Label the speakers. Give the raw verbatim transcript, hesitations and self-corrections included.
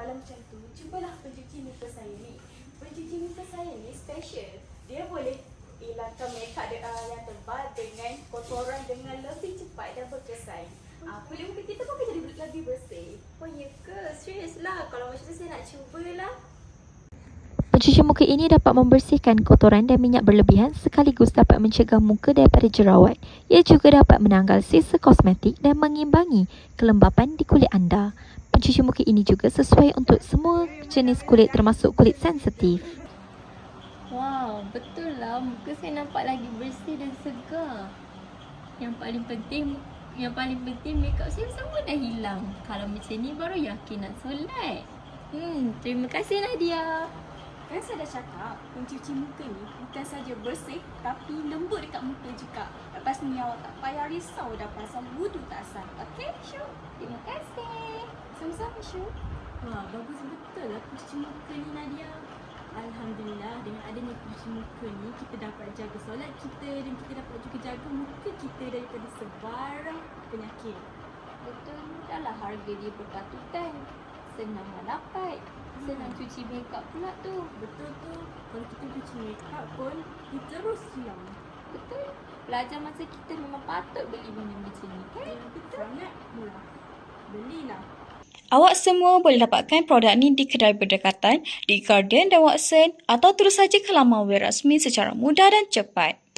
Speaker 1: Kalau macam tu, cubalah pencuci muka saya ni. Pencuci muka saya ni special. Dia boleh hilangkan makeup de, uh, yang tebal dengan kotoran dengan lebih cepat dan berkesan. Uh, kulit muka kita pun akan jadi lebih bersih.
Speaker 2: Oh ya ke? Serius lah. Kalau macam tu saya nak cubalah.
Speaker 3: Pencuci muka ini dapat membersihkan kotoran dan minyak berlebihan sekaligus dapat mencegah muka daripada jerawat. Ia juga dapat menanggal sisa kosmetik dan mengimbangi kelembapan di kulit anda. Pencuci muka ini juga sesuai untuk semua jenis kulit termasuk kulit sensitif.
Speaker 2: Wow, betul lah. Muka saya nampak lagi bersih dan segar. Yang paling penting, yang paling penting makeup saya semua dah hilang. Kalau macam ni baru yakin nak solat. Hmm, terima kasih Nadia.
Speaker 1: Kan saya dah cakap, pencuci muka ni bukan saja bersih tapi lembut dekat muka juga. Lepas ni awak tak payah risau dah pasal wudu tak sah. Okey, Syu?
Speaker 2: Terima kasih.
Speaker 1: Sama-sama, Syu.
Speaker 2: Wah, bagus betul lah pencuci muka ni Nadia. Alhamdulillah, dengan adanya pencuci muka ni, kita dapat jaga solat kita dan kita dapat juga jaga muka kita daripada sebarang penyakit. Betul, mudahlah harga dia berpatutan. Senang nak dapat. Senang cuci makeup pula tu.
Speaker 1: Betul tu. Kalau kita cuci makeup pun, dia terus hilang.
Speaker 2: Betul. Pelajar masa kita memang patut beli benda macam ni kan?
Speaker 1: Ya, betul. Sangat murah. Belilah.
Speaker 4: Awak semua boleh dapatkan produk ni di kedai berdekatan, di Guardian dan Watson atau terus saja ke laman web rasmi secara mudah dan cepat.